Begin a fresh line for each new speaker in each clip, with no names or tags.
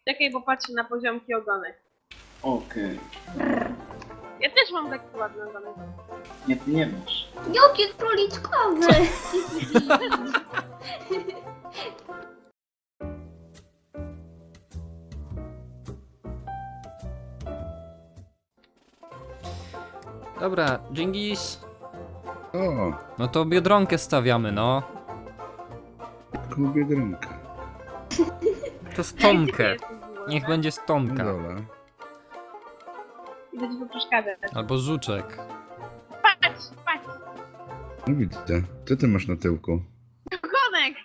Czekaj, bo patrzę na poziomki ogonek.
Okej.
Ja też mam taki ładny ogonek.
Nie, ty nie masz.
Jaki króliczkowy!
Dobra, Dżingis.
O,
No to Biedronkę stawiamy, no.
jaką biedronkę.
To stonkę. Niech będzie stonka.
Dobra.
Idę ci tu przeszkadzać.
Albo żuczek.
Patrz, patrz!
No widzę. Co ty masz na tyłku?
Ogonek!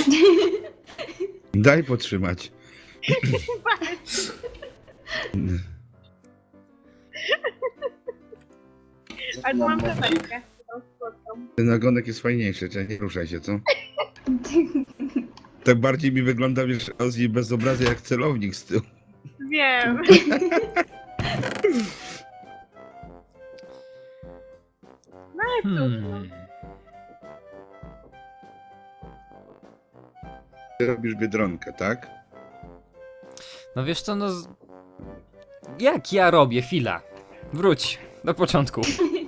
Daj potrzymać.
Patrz! Ale tu mam kropelkę. Tą słodką.
Ten ogonek jest fajniejszy, czyli nie ruszaj się, co? Tak bardziej mi wygląda, wiesz, Ozzy bez obrazu jak celownik z tyłu.
Wiem. No i cóż.
Ty robisz biedronkę, tak?
No wiesz co, no... Jak ja robię? Chwila. Wróć. Do początku.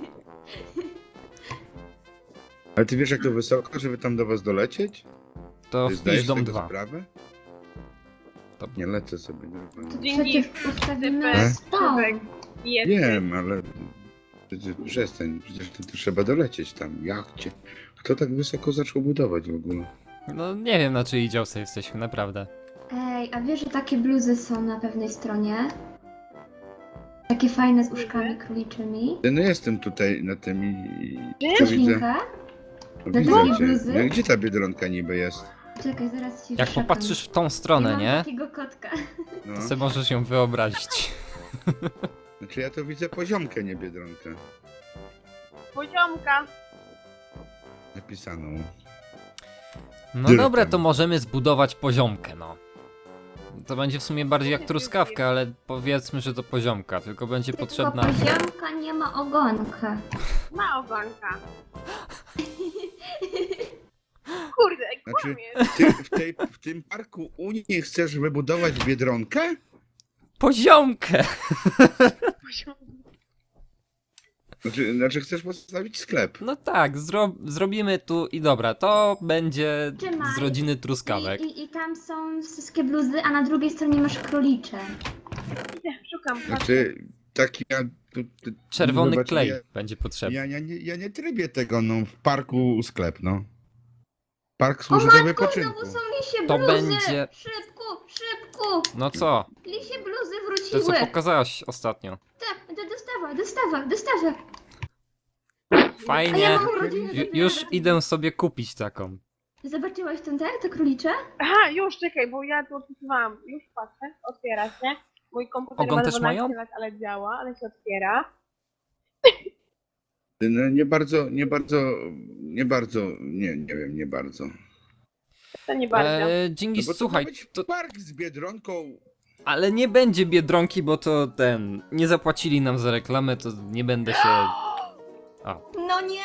Ale ty wiesz jak to wysoko, żeby tam do was dolecieć?
To
Ty
wpisz
zdajesz
dom
tego
2.
sprawę?
To-
Nie lecę sobie normalnie.
Dzięki.
Przecież ustawimy
E?
stał.
Jest.
Wiem, ale... Przestań, przecież to trzeba dolecieć tam, jachcie. Kto tak wysoko zaczął budować w ogóle?
No nie wiem na czyjej działce jesteśmy, naprawdę.
Ej, a wiesz, że takie bluzy są na pewnej stronie? Takie fajne z uszkami króliczymi.
No jestem tutaj na tym i...
Wiesz,
widzę.
Linka?
No,
Do
widzę
takiej
cię.
bluzy?
No, gdzie ta biedronka niby jest?
Czekaj, zaraz ci
Jak
wszepam.
popatrzysz w tą
Ja
stronę,
mam
nie?
takiego kotka.
No.
To sobie możesz ją wyobrazić.
Znaczy ja to widzę poziomkę, nie biedronkę.
Poziomka.
Napisaną.
No
Dyrtem.
dobra, to możemy zbudować poziomkę, no. To będzie w sumie bardziej jak truskawka, ale powiedzmy, że to poziomka, tylko będzie potrzebna...
Tylko poziomka nie ma ogonka.
Ma ogonka. Kurde,
Znaczy,
kłamie.
ty w tym parku Unii chcesz wybudować biedronkę?
Poziomkę!
Znaczy chcesz postawić sklep.
No tak, zrobimy tu i dobra, to będzie
Trzymaj.
z rodziny truskawek.
I tam są wszystkie bluzy, a na drugiej stronie masz królicze.
Idę, szukam.
Znaczy, taki ja...
Czerwony
zobacz,
klej
ja-
będzie potrzebny.
Ja nie trybię tego, no, w parku sklep, no. Park
O
służy do
matko,
wypoczynku.
znowu są lisie
To
bluzy!
będzie-
Szybko, szybko!
No co?
Lisie bluzy
To co
wróciły!
pokazałaś ostatnio.
Tak, dostawa! A ja
Fajnie.
mam urodziny.
Już idę sobie kupić taką.
Zobaczyłaś ten te królicze?
Aha, już czekaj, bo ja tu odpisywałam. Już patrzę, otwiera się. Mój komputer
Ogon
ma
też
12
mają?
lat, ale działa, ale się otwiera.
No, nie bardzo, nie wiem, nie bardzo.
To nie bardzo.
Dżingis,
No bo to
słuchaj,
ma być
to,
park z biedronką.
ale nie będzie Biedronki, bo to nie zapłacili nam za reklamę, to nie będę się...
No nie!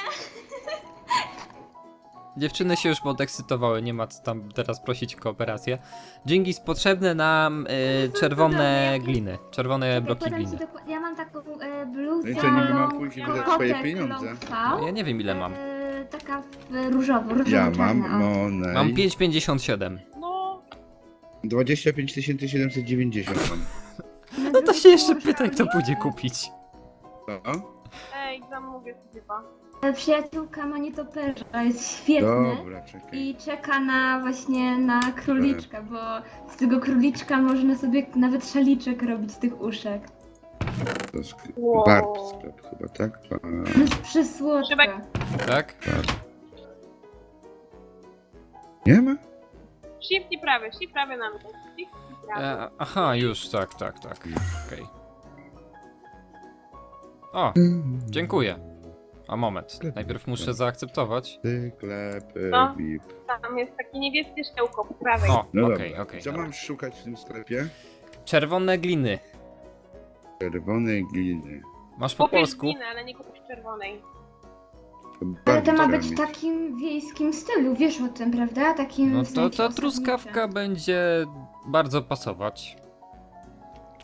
Dziewczyny się już podekscytowały, nie ma co tam teraz prosić o kooperację. Dżingis, potrzebne nam czerwone gliny, czerwone bloki
Podam ci
gliny.
dokładnie. Ja mam taką bluzę.
No i co, niby mam pójść i wydać swoje pieniądze?
No, ja nie wiem ile mam.
Taka różowo
Ja mam
czarna, o.
Monej.
Mam 5,57.
No,
25 790 mam.
No to się jeszcze pytaj, kto pójdzie kupić.
Co?
ej, zamówię sobie chyba.
Przyjaciółka ma nietoperza, jest świetny.
Dobra, czekaj.
I czeka na króliczka, bo z tego króliczka można sobie nawet szaliczek robić z tych uszek.
To
Wow.
Bart sklep chyba, tak?
No jest przysłodka.
Szybek.
Tak?
Nie ma?
Shift i prawy na mnie. Shift i prawy.
Aha, już, tak. Okej. O, dziękuję. A moment, najpierw muszę zaakceptować.
Sklep,
No.
VIP.
Tam jest takie niebieskie szkiełko po prawej.
O,
No
okej.
Co
dobra.
mam szukać w tym sklepie?
Czerwone gliny.
Czerwonej gliny.
Masz po
Kupisz
polsku?
glinę, ale nie kupisz czerwonej.
Ale
Bardzo
to ma
trzeba
być w
mieć.
takim wiejskim stylu, wiesz o tym, prawda? Takim
No
w sensie
to
osadniczym.
truskawka będzie bardzo pasować.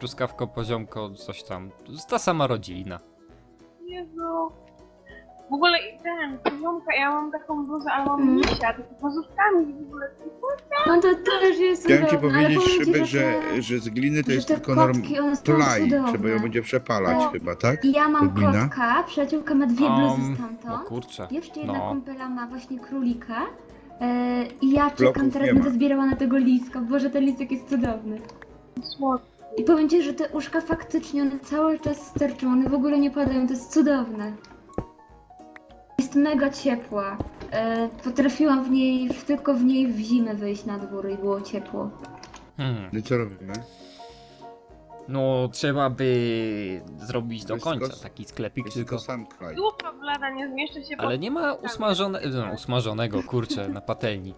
truskawko, poziomko, coś tam. To jest ta sama rodzina.
Jezu. W ogóle i ten, poziomka, ja mam taką bluzę, ale mam misia, takie pozówkami w ogóle.
No to też jest
Chciałem ci
cudowne, ale
powiedzieć,
powiem ci,
Szybek,
te-
że z gliny to
że
jest
te
tylko
kotki, one są
plaj.
cudowne.
Trzeba ją będzie przepalać
No.
chyba, tak?
I ja mam
To glina?
kotka, przyjaciółka ma 2 bluzy
O
stamtąd.
kurczę.
Jeszcze jedna
No.
kumpela ma właśnie królika. I ja czekam,
Bloków
teraz
nie
będę
ma.
zbierała na tego liska. Boże, ten lisek jest cudowny.
Słodko.
I powiem ci, że te uszka faktycznie, one cały czas sterczą, one w ogóle nie padają, to jest cudowne. Jest mega ciepła. Potrafiłam tylko w niej w zimę wyjść na dwór i było ciepło.
No i co robimy?
No, trzeba by zrobić do
jest
końca
tylko-
taki sklepik,
Jest
tylko...
tylko sam kraj.
Dupa blada, nie zmieszczę się
Ale nie ma usmażonego, kurczę, na patelni.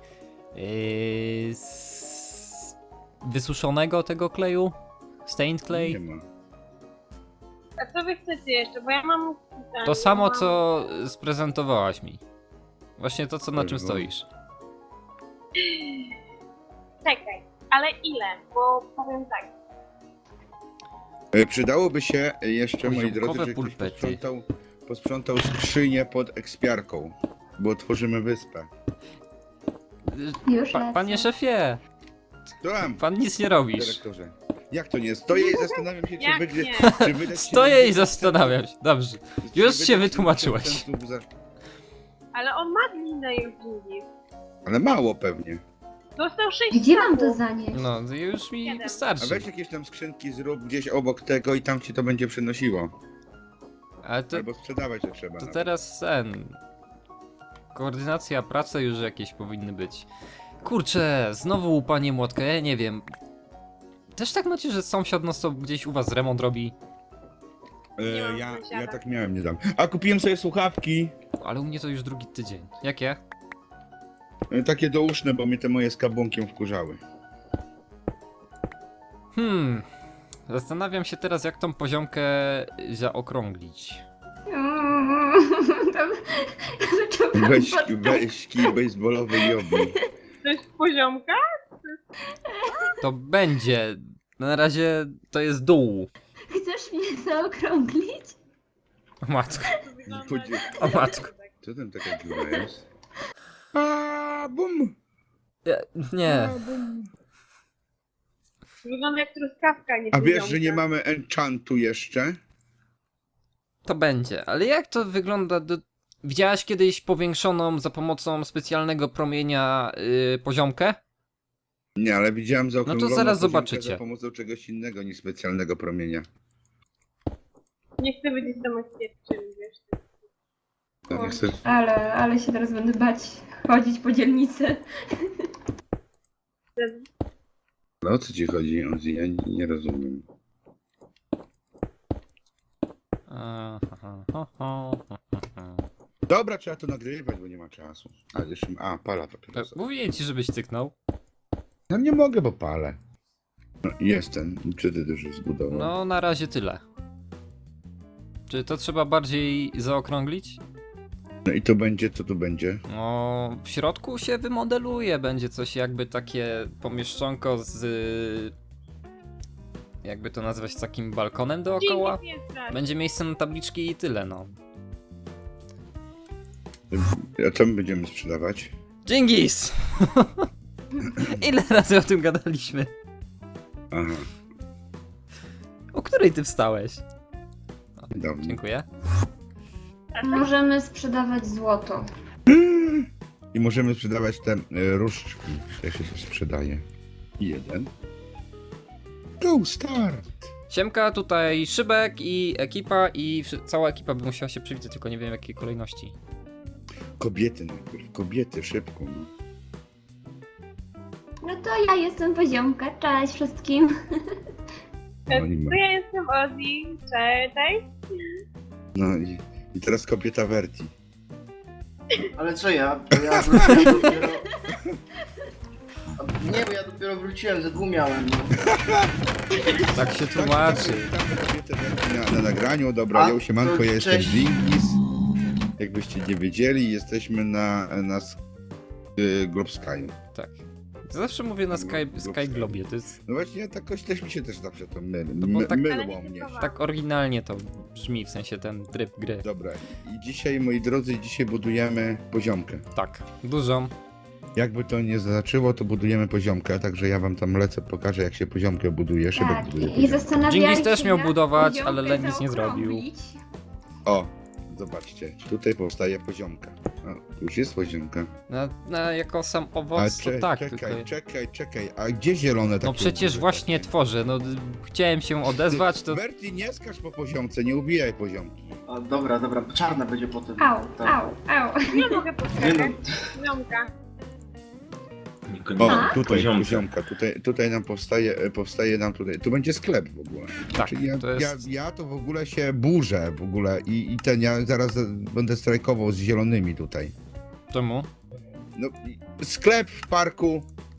Wysuszonego tego kleju? Stained
Nie
clay?
ma.
A co wy chcecie jeszcze, bo ja mam...
To samo, co sprezentowałaś mi. Właśnie to, co na czym
Dobra.
stoisz.
Czekaj, ale ile? Bo powiem tak.
Przydałoby się jeszcze, moi
Poziomkowe
drodzy, że ktoś
pulpety.
posprzątał skrzynię pod ekspiarką, bo tworzymy wyspę.
Już lecę.
Panie szefie,
Tam,
pan nic nie robisz.
dyrektorze. Jak to nie? Stoję i zastanawiam się,
Jak
czy
nie?
wydać
Stoję i zastanawiam się. Dobrze.
czy
Już
wydać
się wytłumaczyłeś.
70 za-
Ale on ma glinę już długi.
Ale mało pewnie.
Dostał 6
Gdzie mam to
stabów.
zanieść?
No, już mi
Jeden.
A
wystarczy.
weź jakieś tam skrzynki zrób gdzieś obok tego i tam ci to będzie przynosiło.
Ale to,
Albo sprzedawać to trzeba.
to
nawet.
teraz koordynacja pracy już jakieś powinny być. Kurczę, znowu panie młotka, ja nie wiem. Też tak macie, że sąsiad nas to gdzieś u was remont robi?
Nie mam
Ja
sąsiada.
tak miałem niedawno. A kupiłem sobie słuchawki.
Ale u mnie to już drugi tydzień. Jakie?
Takie douszne, bo mnie te moje z kabłonkiem wkurzały.
Zastanawiam się teraz, jak tą poziomkę zaokrąglić.
Tam zaczął
Weź kij baseballowy i obij.
To jest poziomka?
To będzie. Na razie to jest dół.
Chcesz mnie zaokrąglić?
O matko.
To wygląda
Chodzi-
jak-
O matko.
Co tam taka dziura jest? A bum!
Nie.
Bum.
Wygląda jak truskawka, nie
A wiesz,
poziomka.
że nie mamy enchantu jeszcze?
To będzie. Ale jak to wygląda? Widziałaś kiedyś powiększoną za pomocą specjalnego promienia poziomkę?
Nie, ale widziałem zaokrągloną
zaraz
poziomkę
zobaczycie.
za pomocą czegoś innego niż specjalnego promienia.
Nie chcę być domyślnie, wiesz.
To nie chcę...
Ale się teraz będę bać chodzić po dzielnicy.
No o co ci chodzi, Ozzy? Ja nie rozumiem. Dobra, trzeba to nagrywać, bo nie ma czasu. A jeszcze... A, pala papierosa.
Mówię ci, żebyś cyknął.
No nie mogę, bo palę. No, jestem. Czy ty też już zbudował?
No, na razie tyle. Czy to trzeba bardziej zaokrąglić?
No i to będzie, co tu będzie?
No, w środku się wymodeluje, będzie coś jakby takie pomieszczonko z... Jakby to nazwać, takim balkonem dookoła?
Dzięki, nie strasz.
Będzie miejsce na tabliczki i tyle, no.
A co my będziemy sprzedawać?
Dżingis! Ile razy o tym gadaliśmy?
Aha,
O której ty wstałeś?
dawno.
Dziękuję.
Możemy sprzedawać złoto.
I możemy sprzedawać te różdżki. Jak się to sprzedaje? Jeden. Go start!
Siemka, tutaj Szybek i ekipa i cała ekipa by musiała się przywitać, tylko nie wiem w jakiej kolejności.
Kobiety najpierw. Kobiety, szybko. No.
No to ja jestem poziomka, cześć wszystkim.
No, nie ma.
To ja jestem Ozzy, cześć.
No i teraz kobieta Verti.
Ale co ja? Bo ja wróciłem dopiero... Nie, bo ja dopiero wróciłem, ze dwóch miałem. No.
Tak się tłumaczy.
Witamy kobietę Verti na nagraniu. Dobra,
A,
ja siemanko,
to
ja jestem
cześć.
Dżingis. Jakbyście nie wiedzieli, jesteśmy na Globe Sky'u.
Tak. Zawsze mówię na Sky Globie, to jest
No właśnie, ja jakoś też mi się też zawsze to
No bo tak-
Ale
mylło
nie
mnie.
typowa.
tak oryginalnie to brzmi, w sensie ten tryb gry.
Dobra, i dzisiaj, moi drodzy, dzisiaj budujemy poziomkę.
Tak, dużą.
Jakby to nie zaczęło, to budujemy poziomkę, także ja wam tam lecę, pokażę jak się poziomkę buduje, szybek
Tak,
buduje
i
poziomkę.
zastanawiali
Dżingis
się,
też miał
jak
budować,
poziomkę
ale Lenis nie zrobił.
zaokrąglić.
O, zobaczcie, tutaj powstaje poziomka. O, tu już jest poziomka.
Jako sam
A
owoc, to tak. tylko-
czekaj, a gdzie zielone takie?
No przecież
duże
właśnie
takie?
tworzę, no chciałem się odezwać, to...
Berti, nie skacz po poziomce, nie ubijaj poziomki.
O, dobra, czarna będzie potem.
Au,
Tak.
au.
Nie mogę
Nie
poczekać.
no,
Ziomka.
O,
A?
tutaj poziomka, tutaj nam powstaje nam tutaj, tu będzie sklep w ogóle.
Tak,
Czyli
to jest...
ja to w ogóle się burzę w ogóle i ja zaraz będę strajkował z zielonymi tutaj.
Czemu?
No, sklep w parku,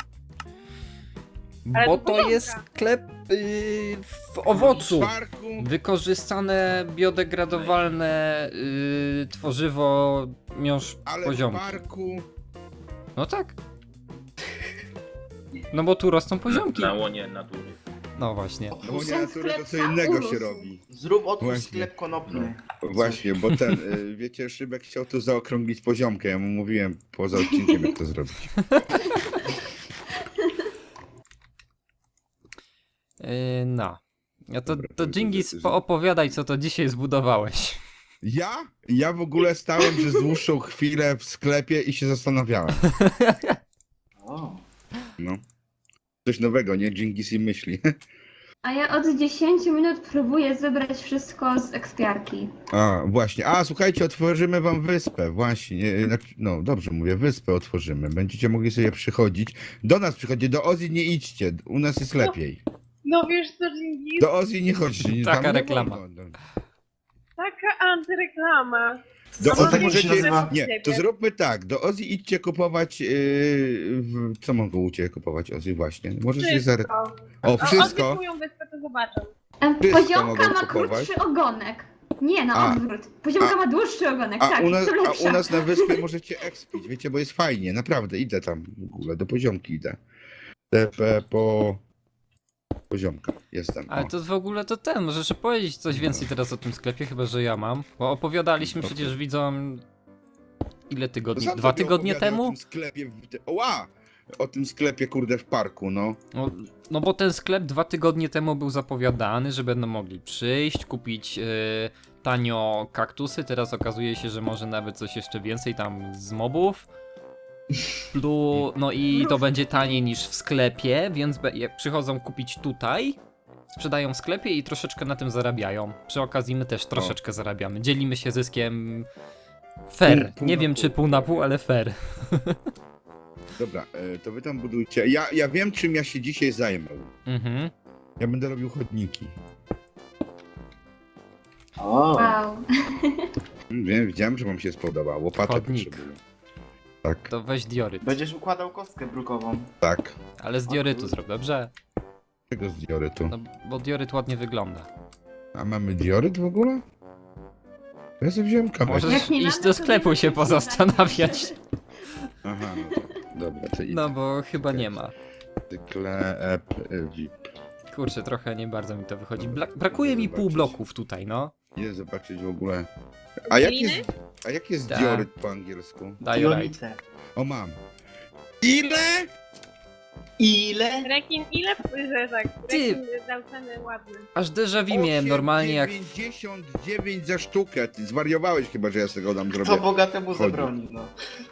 Ale
Bo
to
to
poziomka.
jest sklep w owocu.
w parku.
Wykorzystane, biodegradowalne tworzywo miąższ
Ale
poziomki.
w parku.
No tak. No bo tu rosną poziomki.
Na łonie natury.
No właśnie.
No bo nie
Ten
natury to co
sklep
innego
urósł.
się robi.
zrób otwórz
Właśnie.
sklep konopny.
Właśnie, bo ten, wiecie, Szybek chciał tu zaokrąglić poziomkę, ja mu mówiłem poza odcinkiem jak to zrobić.
No. A to
Dobra,
to
to
Dżingis,
że-
poopowiadaj, co to dzisiaj zbudowałeś.
Ja w ogóle stałem przez dłuższą chwilę w sklepie i się zastanawiałem.
O,
No. Coś nowego, nie? Dżingis i myśli.
A ja od 10 minut próbuję zebrać wszystko z ekspiarki.
A, właśnie. A, słuchajcie, otworzymy wam wyspę. Właśnie. No, dobrze mówię, wyspę otworzymy. Będziecie mogli sobie przychodzić. Do nas przychodzi, do Ozji nie idźcie. U nas jest lepiej.
No wiesz co, Dżingis?
Do Ozji nie chodźcie.
Taka
tam nie
reklama.
wolno.
Taka antyreklama.
Do
Co
Ozji
tak się
możecie...
nazywa?
Nie, to zróbmy tak. Do Ozji idźcie kupować... Co mogą u Ciebie kupować Ozji właśnie? Możecie zare...
Wszystko.
O, wszystko.
Odwykują wyspę, to zobaczą.
Wszystko
Poziomka
mogą
ma
kupować.
krótszy ogonek. Nie, na
A.
odwrót. Poziomka ma dłuższy ogonek,
A
tak,
u nas,
to
a
lepsza.
u nas na wyspie możecie expić, wiecie, bo jest fajnie, naprawdę, idę tam w ogóle, do poziomki idę. TP po poziomka, jestem.
Ale
O.
to w ogóle to możesz powiedzieć coś więcej teraz o tym sklepie, chyba że ja mam. Bo opowiadaliśmy
Dobrze.
przecież widzom... Ile tygodni?
Sam
2
sobie
tygodnie
opowiadam
temu?
O tym sklepie, oła! O tym sklepie, kurde, w parku, no.
No bo ten sklep 2 tygodnie temu był zapowiadany, że będą mogli przyjść, kupić tanio kaktusy. Teraz okazuje się, że może nawet coś jeszcze więcej tam z mobów. No i to będzie taniej niż w sklepie, więc jak przychodzą kupić tutaj, sprzedają w sklepie i troszeczkę na tym zarabiają. Przy okazji my też troszeczkę zarabiamy. Dzielimy się zyskiem fair.
Pół
Nie
na
wiem
pół.
czy pół na pół, ale fair.
Dobra, to wy tam budujcie. Ja wiem, czym ja się dzisiaj zajmę.
Mhm.
Ja będę robił chodniki.
o.
Wow.
Wiem, widziałem, że wam się spodoba. Łopatę
Chodnik.
potrzebuję. Tak,
To weź dioryt.
Będziesz układał kostkę brukową.
tak.
Ale z diorytu zrób, dobrze?
Czego z diorytu?
No bo dioryt ładnie wygląda.
A mamy dioryt w ogóle? Ja sobie wziąłem kabel.
Możesz
Jak nie
iść
mamy,
do
to
sklepu
wiemy,
się
jak
pozastanawiać.
Aha, no to, dobra, to idę.
No bo chyba nie ma.
Sklep VIP.
Kurczę, trochę nie bardzo mi to wychodzi. Brakuje mi pół bloków tutaj, no.
Idę zobaczyć w ogóle. A jak
Gliny?
jest, a jak jest
Tak.
dioryt po angielsku?
Diorite.
Dionite.
O, mam. Ile?
Ile?
Rekin, ile że tak?
Ty!
Rekin dał cenę ładne.
Aż déjà vu miałem normalnie jak...
99 za sztukę. Ty zwariowałeś chyba, że ja z tego dam
Co
zrobię.
bogatemu
Chodzi.
zabroni, no.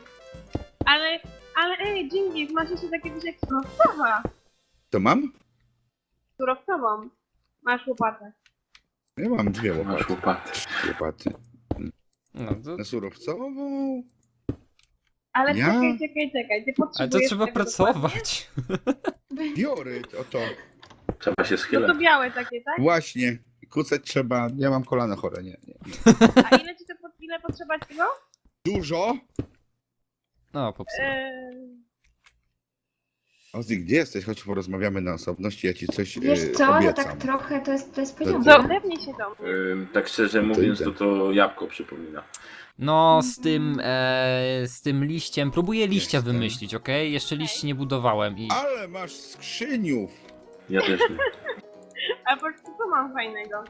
Ale ej, Dżingis, masz jeszcze takie coś jak surowcowa.
To mam?
Surowcową. Masz łopatę.
Ja mam dwie
Masz
łopaty.
łopaty.
No, to...
Na surowcową?
Ale
Ja?
czekaj, ty
Ale
potrzebujesz
to trzeba
tego dokładnie?
pracować.
Dioryt, oto.
Trzeba się
No to
schylać.
białe takie, tak?
Właśnie. Kucać trzeba. Ja mam kolano chore, nie.
A ile ci to ile potrzeba tego?
Dużo?
No, popsułem.
Ozzy, gdzie jesteś? Chodź porozmawiamy na osobności, ja ci coś
Wiesz co, to
obiecam.
tak trochę to jest
Dobrze.
poziomka.
Zepnij się do mnie.
Tak szczerze mówiąc,
idę.
to jabłko przypomina.
No, z tym liściem, próbuję liścia
Jestem.
wymyślić, okej? Jeszcze liści nie budowałem i...
Ale masz skrzyniów!
Ja też nie.
A patrz, co mam fajnego?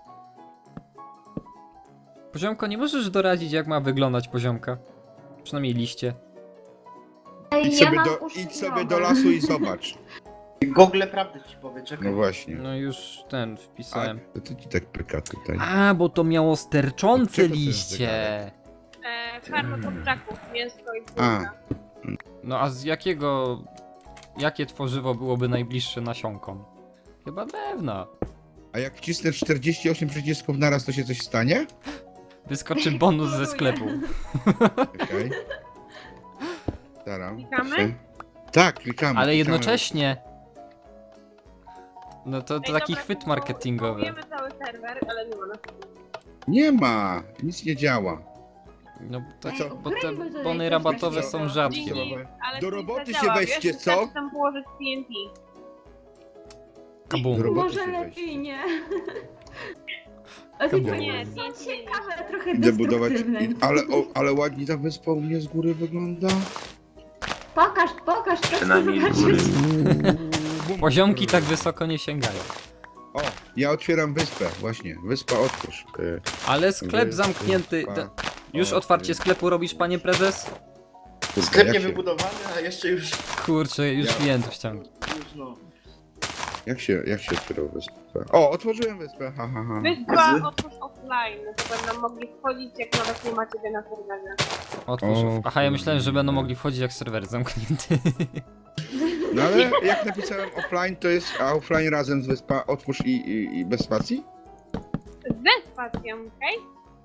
Poziomko, nie możesz doradzić, jak ma wyglądać poziomka? Przynajmniej liście.
Ej,
Idź
ja
sobie,
mam
do,
uszy
idź sobie
nowe.
do lasu i zobacz.
Google prawdę ci powie, czekaj.
No właśnie.
No już ten wpisałem.
A, to ci tak pyka tutaj.
A, bo to miało sterczące
Czego to jest
liście.
Farma kurczaków, mięsko i
A.
córka.
No a z jakiego... Jakie tworzywo byłoby najbliższe nasionkom? Chyba drewna.
A jak wcisnę 48 przycisków naraz, to się coś stanie?
Wyskoczy bonus ze sklepu.
Okej. Staram.
Klikamy?
się. Tak, klikamy.
Ale
klikamy.
jednocześnie... No to
Ej,
taki
dobra,
chwyt
to
marketingowy.
Kupujemy cały serwer, ale nie ma nas.
Nie ma, nic nie działa.
No to
Ej,
co, bo te
ugrajmy tutaj
bony
coś
rabatowe
takiego.
są rzadkie.
Dzięki, ale
Do
to
roboty
nie
się
zadziała,
weźcie,
wiesz,
co?
wystarczy tam położyć TNT.
Kabum.
Do roboty
Może
się
lepiej nie. A
Kabum.
ty
Nie,
są
nie.
ciekawe, trochę
Idę budować.
destruktywne.
Ale ładnie ta wyspa u mnie z góry wygląda.
Pokaż, chcę
Przynajmniej z góry.
zobaczyć.
Poziomki tak wysoko nie sięgają.
O, ja otwieram wyspę, właśnie. Wyspa otwórz.
Ale sklep
Wyspa,
zamknięty. Już otwarcie sklepu robisz, panie prezes?
Kurde,
Sklep
jak
nie
się-
wybudowany, a jeszcze już...
Kurczę, już
Ja-
klientów ściągnę.
już no.
Jak się otwierało wyspę? O, otworzyłem wyspę, ha, ha, ha.
Wyspa otwórz offline, to będą mogli wchodzić, jak nawet nie ma ciebie na serwerze.
Otwórz.
O,
Aha, ja myślałem, że będą
kurde.
mogli wchodzić jak serwer zamknięty.
No ale jak napisałem offline, to jest a offline razem z wyspa otwórz i bez spacji?
Ze spacją, okej?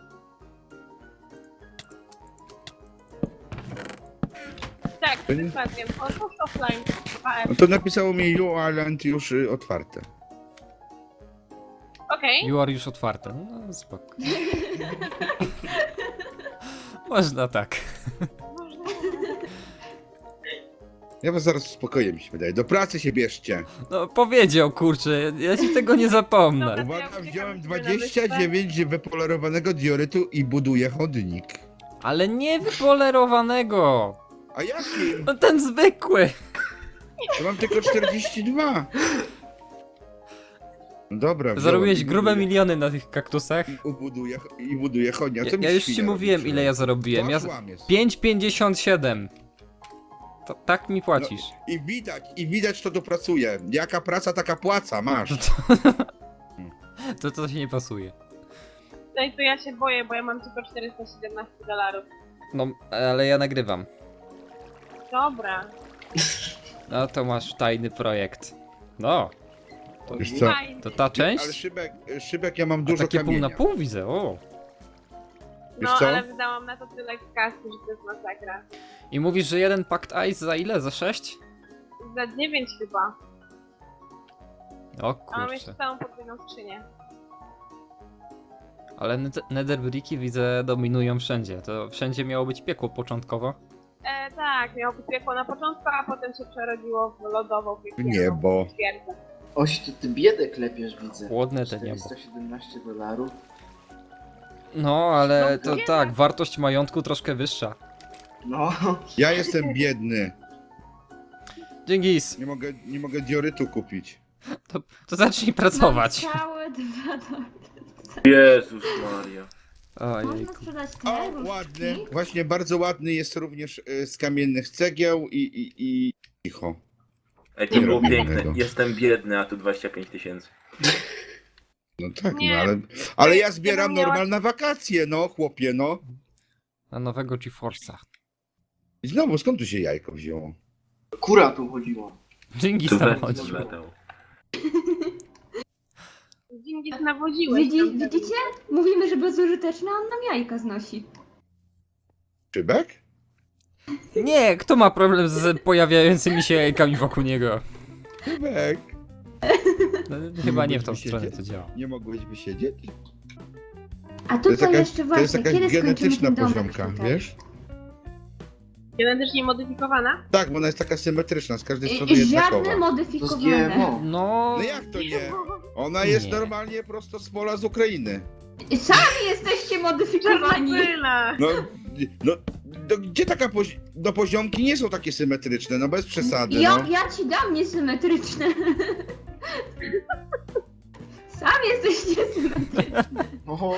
Tak,
To nie-
ze spacją. Otwórz offline. 2F.
No to napisało mi You Island już otwarte.
Okej.
You are już otwarte. No spoko. Można tak.
Ja was zaraz uspokoję, mi się wydaje. Do pracy się bierzcie.
No powiedział, kurczę, ja ci tego nie zapomnę.
Dobra.
Uwaga,
ja uciekam
wziąłem
sobie na
29 wypolerowanego diorytu i buduję chodnik.
Ale nie wypolerowanego.
A jakim?
No ten zwykły.
To mam tylko 42. No dobra, wziąłem
Zarobiłeś
i
grube
buduję.
miliony na tych kaktusach.
I buduję chodnik. A co mi
Ja już ci
świnia
mówiłem,
robi?
ile ja zarobiłem. Ja...
To kłamiesz.
5,57. To tak mi płacisz.
I widać, kto tu pracuje. Jaka praca, taka płaca, masz.
To się nie pasuje.
No i to ja się boję, bo ja mam tylko $417.
No, ale ja nagrywam.
Dobra.
No to masz tajny projekt. No,
Wiesz co?
Fajnie.
to ta
Ale
część?
szybek ja mam
A
dużo
takie pół
kamienia.
na pół widzę, o.
Wiesz
No,
co?
ale wydałam na to tyle kasy, że to jest masakra.
I mówisz, że jeden pakt ice za ile? Za 6?
Za 9 chyba.
O
A mam jeszcze
kurczę.
całą podwójną skrzynię.
Ale netherbricki widzę dominują wszędzie. To wszędzie miało być piekło początkowo.
Tak, miało być piekło na początku, a potem się przerodziło w lodową piekielną
Niebo.
twierdzę.
Oś, to ty biedę klepiesz, widzę.
Chłodne te niebo.
$417.
No, ale
No,
to
nie
tak,
tak.
wartość majątku troszkę wyższa.
No.
Ja jestem biedny.
Dzięgis,
Nie mogę diorytu kupić.
to zacznij pracować.
Mam całe 2 dolarty.
Jezus Maria.
Można
Ojejku.
sprzedać
O,
te różdżki?
ładny. Właśnie bardzo ładny jest również z kamiennych cegieł i cicho.
Ej, to
Nie
było
robię
piękne.
tego.
Jestem biedny, a tu 25 000.
No tak,
Nie.
no ale ja zbieram
miała-
normal na wakacje, no chłopie, no.
Na nowego GeForce'a.
I znowu, skąd tu się jajko wzięło?
Kura tu chodziło.
Dzięgis
Tu
tam
wędrów
chodzi.
zletał.
Dziś nawodziłeś. tam
Widzicie? Mówimy, że bezużyteczne, a on nam jajka znosi.
Szybek?
Nie, kto ma problem z pojawiającymi się jajkami wokół niego?
Szybek.
No, chyba nie w tą
Mógłbyś
stronę
siedzieć?
to działa.
Nie mogłeś wysiedzieć?
A
To jest
tutaj
jakaś,
jeszcze
to jest
właśnie,
jakaś
kiedy skończymy
genetyczna
ten domek
poziomka,
tutaj?
wiesz?
Genetycznie modyfikowana?
Tak, bo ona jest taka symetryczna, z każdej strony jednakowa.
Żadne
To z
modyfikowane.
GMO.
No,
No jak to nie? Ona jest
Nie.
normalnie prosto z pola z Ukrainy.
Sami jesteście modyfikowani.
Czarnobyla!
No, gdzie taka no poziomki nie są takie symetryczne, no bez przesady, no.
Ja ci dam niesymetryczne. Sami jesteście symetryczni.
Oho.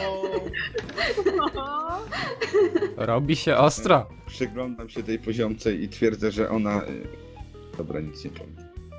robi się ostro.
Przyglądam się tej poziomce i twierdzę, że ona... Dobra, nic nie powiem.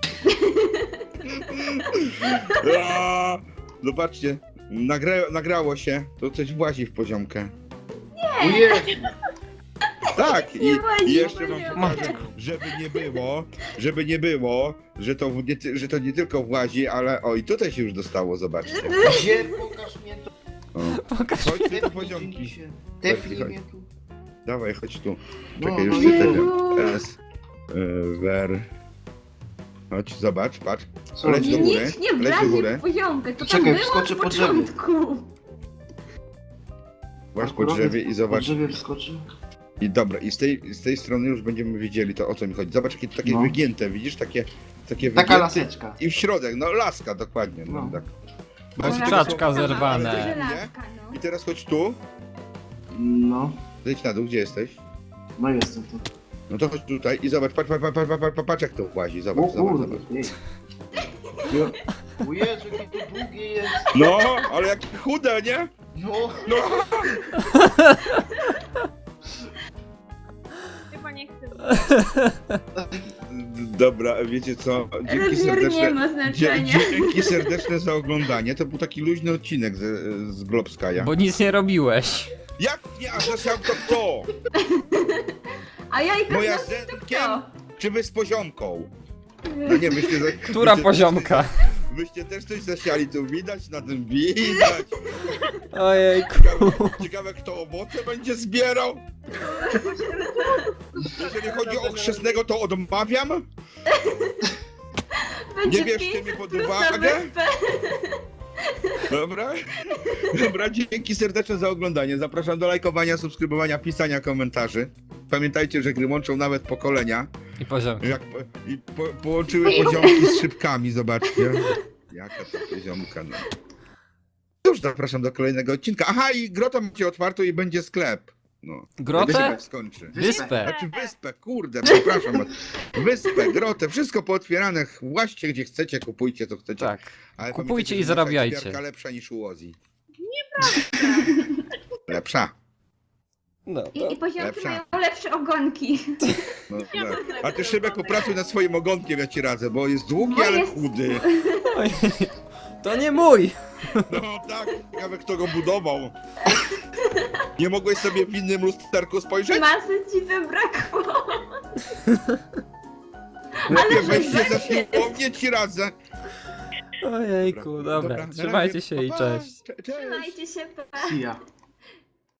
Aaa! Zobaczcie, nagrało się, to coś włazi w poziomkę.
O Jezu.
Tak,
Nie włazi
i
w
jeszcze wam
poziomkę.
pokażę, żeby nie było, że to nie tylko włazi, ale o i tutaj się już dostało, zobaczcie.
Gdzie? Pokaż mnie to.
O.
Pokaż.
Chodź tu do
Tepnij
poziomki.
się. Tepnij
Chodź.
mnie tu.
Dawaj, chodź tu.
No,
Czekaj,
no
już
nie.
czytam. S. Ver. Chodź, zobacz, patrz.
Co?
Leć do góry,
Nic nie
leć do
wlazi
góry.
w poziomkę. To
Czekaj,
tam było
wskoczę
od
po drzewie.
początku.
Właź po
Akurat
drzewie i
Po
zobacz.
drzewie wskoczy.
I dobra, i z tej strony już będziemy wiedzieli to, o co mi chodzi. Zobacz, jakie takie
No.
wygięte, widzisz? Takie
Taka
wygięte.
laseczka.
I w środek, no laska, dokładnie. No,
No.
tak.
Kurczaczka zerwane.
Żelazka, no.
I teraz chodź tu.
No.
Zejdź na dół, gdzie jesteś?
No jestem tu.
No to chodź tutaj i zobacz, patrz jak to włazi,
O
zobacz, zobacz,
kurde.
zobacz.
Ej. O Jezu, jakie to długie jest.
No, ale jakie chude, nie?
No.
No,
Chyba nie chcę.
dobra, wiecie co, dzięki
Rozmiar nie
serdeczne,
ma znaczenia.
dzięki serdeczne za oglądanie, to był taki luźny odcinek z Globskaja.
Bo nic nie robiłeś.
Jak nie, a zasiał to kto?
A jajka
Moja
znaczy
z
to
Zenkiem,
kto?
czy wy z poziomką? No nie, myślę, że...
Która
myślę,
poziomka?
Wyście też coś zasiali, tu widać, na tym widać.
Ojejku.
Ciekawe kto owoce będzie zbierał. Jeżeli chodzi o chrzestnego, to odmawiam.
Będzie
Nie bierzcie
500
mnie pod
plus na
uwagę.
wyspę.
Dobra? Dobra, dzięki serdeczne za oglądanie. Zapraszam do lajkowania, subskrybowania, pisania komentarzy. Pamiętajcie, że gry łączą nawet pokolenia.
I poziomki.
Połączyły poziomki z szybkami, zobaczcie. Jaka to poziomka, no. Cóż, zapraszam do kolejnego odcinka. Aha, i grotę macie otwartą i będzie sklep. No.
Grotę?
Jak się skończy.
Wyspę.
Znaczy wyspę, kurde, przepraszam. Wyspę, grotę, wszystko pootwierane. Właście gdzie chcecie, kupujcie co chcecie.
Tak.
Ale
Kupujcie
pamiętajcie,
i
że nasza
zarabiajcie.
ekspiarka lepsza niż u Ozzy. Lepsza.
No,
I poziomki
Lepsza.
mają lepsze ogonki.
No,
Ja
tak.
mam
A ty
lepsze
Szybek
ogony.
popracuj nad swoim ogonkiem, ja ci radzę, bo jest długi,
Bo
ale
jest-
chudy.
to nie mój.
No tak, ciekawe kto go budował. Nie mogłeś sobie w innym lusterku spojrzeć?
Masy ci zabrakło.
Chłopie,
że
weź się za
weźcie.
siłownię, ci radzę.
Ojejku, dobra.
na
Trzymajcie
razie.
się i
Pa, pa.
cześć.
Cześć.
Trzymajcie się, pa.
See ya.